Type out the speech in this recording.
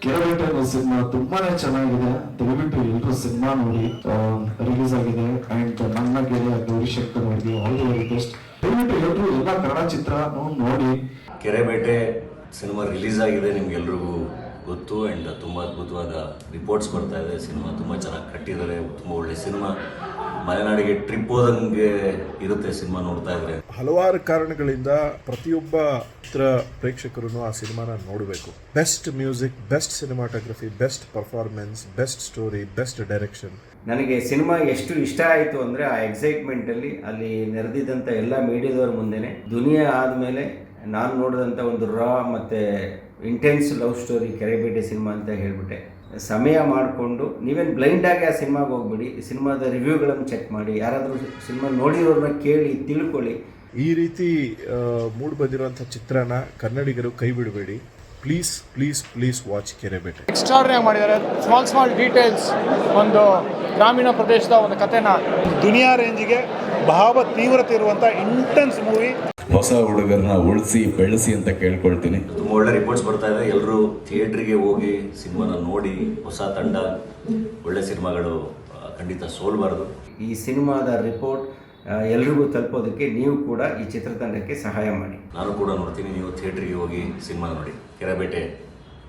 ಕೆರಬೇಟೆ ಅನ್ನೋ ಸಿನಿಮಾ ತುಂಬಾನೇ ಚೆನ್ನಾಗಿದೆ. ದಯವಿಟ್ಟು ಎಲ್ಲರೂ ಸಿನಿಮಾ ನೋಡಿ. ರಿಲೀಸ್ ಆಗಿದೆ ಅಂಡ್ ನನ್ನ ಗೆಳೆಯ ಗೌರಿಶಂಕರ್ ಅವರಿಗೆ ಆಲ್ ದಿ ವೆರಿ ಬೆಸ್ಟ್. ದಯವಿಟ್ಟು ಎಲ್ಲರೂ ಎಲ್ಲ ಕನ್ನಡ ಚಿತ್ರ ನೋಡಿ. ಕೆರೆಬೇಟೆ ಸಿನಿಮಾ ರಿಲೀಸ್ ಆಗಿದೆ, ನಿಮ್ಗೆಲ್ರಿಗೂ ಗೊತ್ತು. ಆ್ಯಂಡ್ ತುಂಬ ಅದ್ಭುತವಾದ ರಿಪೋರ್ಟ್ಸ್ ಬರ್ತಾ ಇದೆ. ಸಿನಿಮಾ ತುಂಬ ಚೆನ್ನಾಗಿ ಕಟ್ಟಿದ್ದಾರೆ, ತುಂಬ ಒಳ್ಳೆ ಸಿನಿಮಾ. ಮಲೆನಾಡಿಗೆ ಟ್ರಿಪ್ ಹೋದಂಗೆ ಇರುತ್ತೆ ಸಿನಿಮಾ ನೋಡ್ತಾ ಇದ್ರೆ. ಹಲವಾರು ಕಾರಣಗಳಿಂದ ಪ್ರತಿಯೊಬ್ಬ ಚಿತ್ರ ಪ್ರೇಕ್ಷಕರು ಆ ಸಿನಿಮಾನ ನೋಡಬೇಕು. Best music, best cinematography, best performance, best story, best direction. ನನಗೆ ಸಿನಿಮಾ ಎಷ್ಟು ಇಷ್ಟ ಆಯಿತು ಅಂದರೆ ಆ ಎಕ್ಸೈಟ್ಮೆಂಟಲ್ಲಿ ಅಲ್ಲಿ ನೆರೆದಿದ್ದಂಥ ಎಲ್ಲ ಮೀಡಿಯಾದವ್ರ ಮುಂದೆನೆ ದುನಿಯಾ ಆದಮೇಲೆ ನಾನು ನೋಡಿದಂಥ ಒಂದು ರಾ ಮತ್ತು intense love story Kerebete cinema ಅಂತ ಹೇಳಿಬಿಟ್ಟೆ. ಸಮಯ ಮಾಡಿಕೊಂಡು ನೀವೇನು ಬ್ಲೈಂಡಾಗಿ ಆ ಸಿನಿಮಾಗೆ ಹೋಗ್ಬಿಡಿ, ಸಿನಿಮಾದ ರಿವ್ಯೂಗಳನ್ನು ಚೆಕ್ ಮಾಡಿ, ಯಾರಾದರೂ ಸಿನಿಮಾ ನೋಡಿರೋರನ್ನ ಕೇಳಿ ತಿಳ್ಕೊಳ್ಳಿ. ಈ ರೀತಿ ಮೂಡ್ ಬಂದಿರುವಂಥ ಚಿತ್ರನ ಕನ್ನಡಿಗರು ಕೈ ಬಿಡಬೇಡಿ. Please please please watch Kerebete. Extraordinary ಮಾಡಿದ್ದಾರೆ. ಸ್ಮಾಲ್ ಡೀಟೇಲ್ಸ್, ಒಂದು ಗ್ರಾಮೀಣ ಪ್ರದೇಶದ ಒಂದು ಕಥೆನ ದುನಿಯಾ ರೇಂಜ್ಗೆ ಭಾವ ತೀವ್ರತೆ ಇರುವಂಥ ಇಂಟೆನ್ಸ್ ಮೂವಿ. ಹೊಸ ಹುಡುಗರನ್ನ ಉಳಿಸಿ ಬೆಳೆಸಿ ಅಂತ ಕೇಳ್ಕೊಳ್ತೀನಿ. ತುಂಬ ಒಳ್ಳೆ ರಿಪೋರ್ಟ್ಸ್ ಬರ್ತಾ ಇದೆ. ಎಲ್ಲರೂ ಥಿಯೇಟ್ರಿಗೆ ಹೋಗಿ ಸಿನಿಮಾನ ನೋಡಿ. ಹೊಸ ತಂಡ, ಒಳ್ಳೆ ಸಿನಿಮಾಗಳು ಖಂಡಿತ ಸೋಲ್ಬಾರ್ದು. ಈ ಸಿನಿಮಾದ ರಿಪೋರ್ಟ್ ಎಲ್ರಿಗೂ ತಲುಪೋದಕ್ಕೆ ನೀವು ಕೂಡ ಈ ಚಿತ್ರತಂಡಕ್ಕೆ ಸಹಾಯ ಮಾಡಿ. ನಾನು ಕೂಡ ನೋಡ್ತೀನಿ. ನೀವು ಥಿಯೇಟ್ರಿಗೆ ಹೋಗಿ ಸಿನಿಮಾ ನೋಡಿ. ಕೆರೆಬೇಟೆ